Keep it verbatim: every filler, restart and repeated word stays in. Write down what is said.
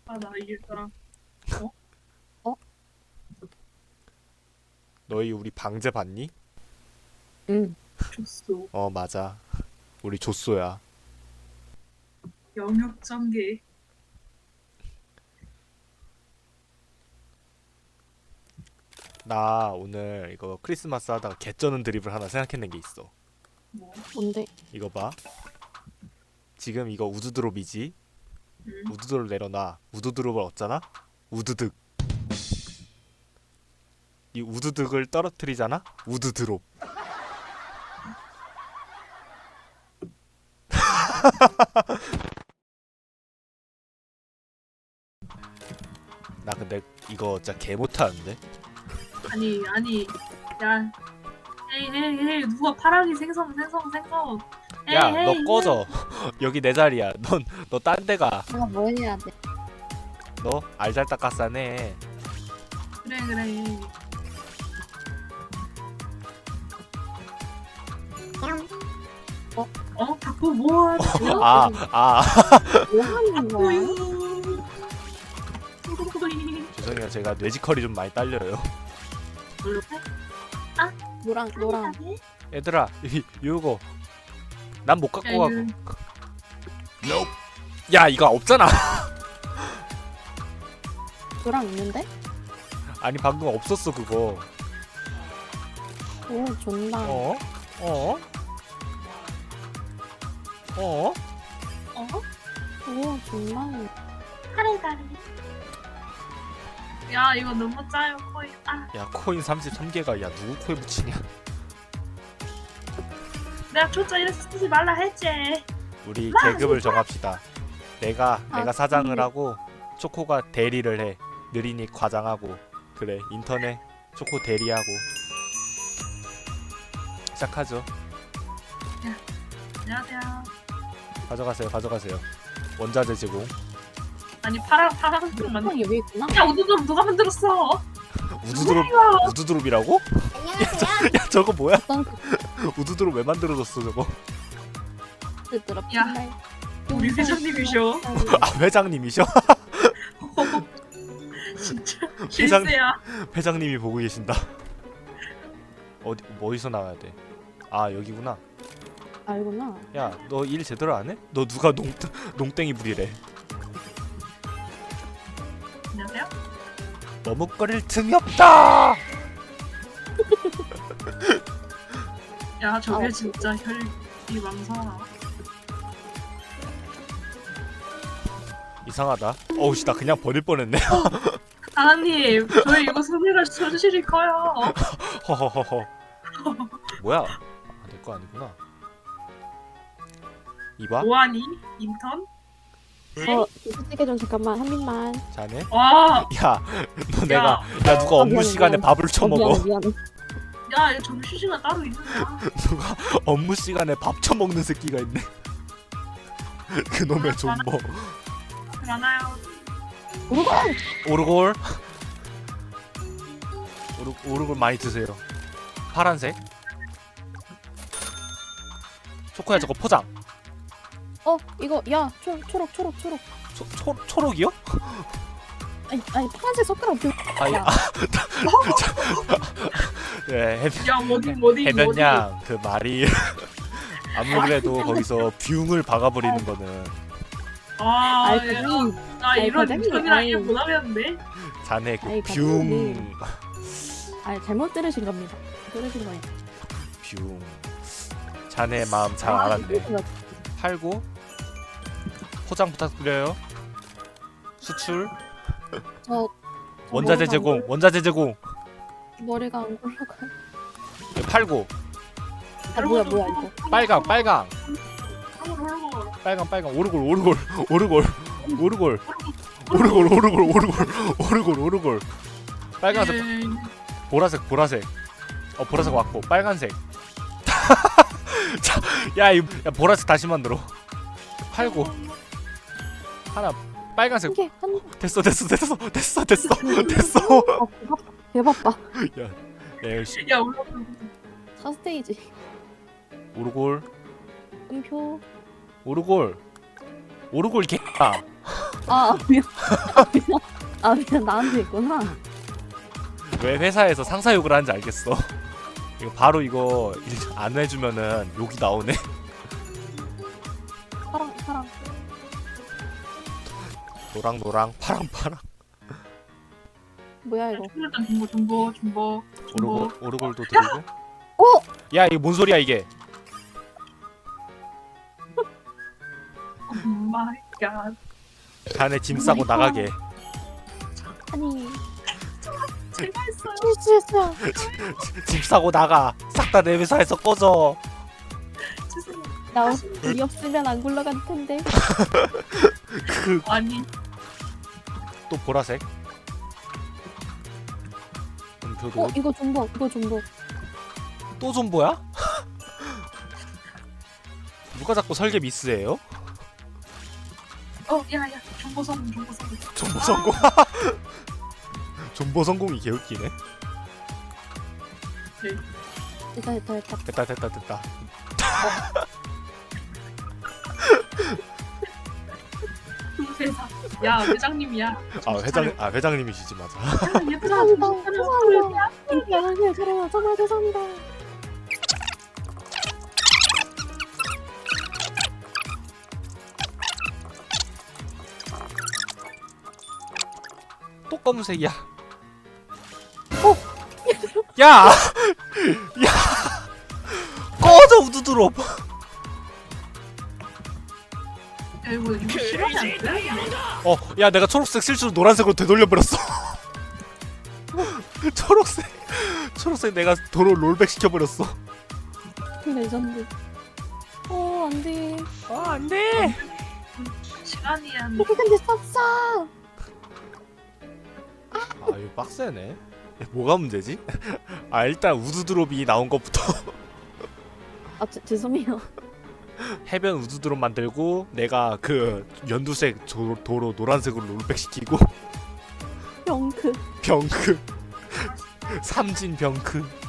아, 나 이길 사람. 어? 너희 우리 방제 봤니? 응. 줬어. 어 맞아. 우리 조쏘야. 영역 전개. 나 오늘 이거 크리스마스 하다가 개쩌는 드립을 하나 생각해낸 게 있어. 뭐? 뭔데? 이거 봐. 지금 이거 우드드롭이지? 응? 우드드롭 내려놔. 우드드롭을 얻잖아? 우드득. 이 우드득을 떨어뜨리잖아? 우드드롭. 나 근데 이거 진짜 개 못하는데? 아니, 아니, 야. 에이, 에이, 에이, 누가 파랑이 생선, 생선, 생선. 에이, 야, 에이, 너 에이. 꺼져. 여기 내 자리야. 넌 너 딴 데 가. 내가 뭐 해야 돼? 너 알잘딱까싸네. 그래, 그래. 어? 자꾸 뭐 하는 거야? 아, 아. 뭐 하는 거야? 우유. 죄송해요. 제가 뇌지컬이 좀 많이 딸려요. 노랑 노랑. 얘들아, 이, 이거 난 못 갖고 가고. 야, 이거 없잖아. 노랑 있는데? 아니 방금 없었어 그거. 오 존나. 어? 어? 어? 어? 오 존나. 카레다리. 야, 이거 너무 짜요, 코인. 아, 야, 코인 삼십삼 개가 야 누구 코에 붙이냐? 내가 초짜 이래서 쓰지 말라 했지. 우리 와, 계급을 정합시다. 내가 아, 내가 사장을 근데- 하고 초코가 대리를 해. 느린이 과장하고. 그래, 인터넷 초코 대리하고. 시작하죠. 안녕하세요. 가져가세요, 가져가세요. 원자재 제공. 아니, 파랑, 파랑 좀 만. 형 여기 있구나. 야, 우두드럼 누가 만들었어? 우드드롭 우드드롭이라고? 야, 저거 뭐야? 어떤 우드드롭 왜 만들어줬어 저거? 그들어 야, 우리 회장님이셔. 아, 회장님이셔? 진짜 회장- 실세야. 회장님이 보고 계신다. 어디 어디서 나와야 돼? 아, 여기구나. 알구나. 야, 너 일 제대로 안 해? 너 누가 농 농땡이 부리래? 안녕하세요. 머뭇거릴 틈이 없다. 야, 저게 아, 진짜 혈이 망상아. 이상하다. 어우씨, 나 그냥 버릴 뻔했네. 하나님, 저희 이거 소리가 손실이 커요. 허허허허. 뭐야? 아, 내 거 아니구나. 이봐, 뭐하니? 인턴? 어 솔직히 좀 잠깐만 한 입만. 자네. 와, 야, 너 내가 야, 야 누가 어, 업무 미안해, 시간에 미안해. 밥을 어, 처먹어? 미안해 미안해. 야, 이거 점심시간 따로 있는다. 누가 업무 시간에 밥 처먹는 새끼가 있네. 그놈의 존버. 많아요. 우르간. 오르골. 오르 오르골 많이 드세요. 파란색. 초코야, 저거 포장. 어 이거 야 초, 초록 초록 초록. 초, 초 초록이요? 아니 아니 파란색 숟가락 들. 아니, 야. 아, 네, 해, 야, 뭐디, 뭐디, 뭐디. 해변양 그 말이 아무래도 거기서 뷰을 박아버리는 거는 아, 아이 야, 그니. 나 아이, 이런 과장님, 인턴이랑 아이. 일 못하겠는데? 자네 그 아이, 뷰 과장님. 아 잘못 들으신 겁니다. 들으신 거예요. 뷰. 자네 마음 잘 아, 알았네. 들으신 거. 팔고 포장 부탁드려요. 수출 저 원자재 머리가 제공 안 원자재 제공 굴- 머리가 안 굴러가. 팔고 아 뭐야 뭐야 이거. 빨강 빨강 그러고, 그러고. 빨강 빨강 오르골 오르골 오르골 오르골 오르골 오르골 오르골 오르골 오르골 빨간색 예, 보라색 보라색 어 보라색 왔고 빨간색 자, 야, 이 야, 보라색 다시 만들어. 팔고 하나 빨간색 한 개, 한 개. 됐어 됐어 됐어 됐어 됐어 됐어. 아, 개바빠. 야, 야, 역시 야, 올라가. 첫 스테이지. 오르골 음표. 오르골 오르골 개야. 아 미안. 아 미안. 아 미안 나한테 있구나. 왜 회사에서 상사 욕을 하는지 알겠어. 이거 바로 이거 안 해주면은 욕이 나오네. 파랑 파랑. 노랑 노랑 파랑 파랑. 뭐야 이거? 일단 중보 중보 중보 중보. 오르골 오르골도 들고. 어? 야 이게 뭔 소리야 이게? 오 마이 갓. 자네 짐 싸고 나가게. 아니 제가 했어요. 실수했어요. 짐 싸고 나가. 싹 다 내 회사에서 꺼져. 죄송해요. 나 우리 없으면 안 굴러갈 텐데. 그 또 아니 보라색. 음표도 어 이거 존버 이거 존버. 또 존버야? 누가 자꾸 설계 미스해요? 어 야야 중보 성공 중보 성공. 존버 성공. 존버 성공이 개웃기네. 됐다 됐다 됐다. 됐다 됐다 됐다. 그 회사. 야 회장님이야. 아 회장 아 회장님이시지 맞아. 야 얘들아 죄송합니다. 정신 차려. 죄송합니다. 인기하세요. 저랑 정말 죄송합니다. 또 검은색이야. 어? 야! 야! 꺼져 우두드롭. 야 이거 이거 실험이 안 돼? 어, 야 내가 초록색 실수로 노란색으로 되돌려 버렸어. 초록색 초록색 내가 도로 롤백 시켜 버렸어. 그 레전드. 어 안돼. 아, 안 돼. 시간이야. 이게 근데 쌌어. 아, 이거 빡세네. 야, 뭐가 문제지? 아, 일단 우두드롭이 나온 것부터 아 죄, 죄송해요. 해변 우두드롭 만들고 내가 그 연두색 조, 도로 노란색으로 롤백 시키고 병크. 병크 삼진 병크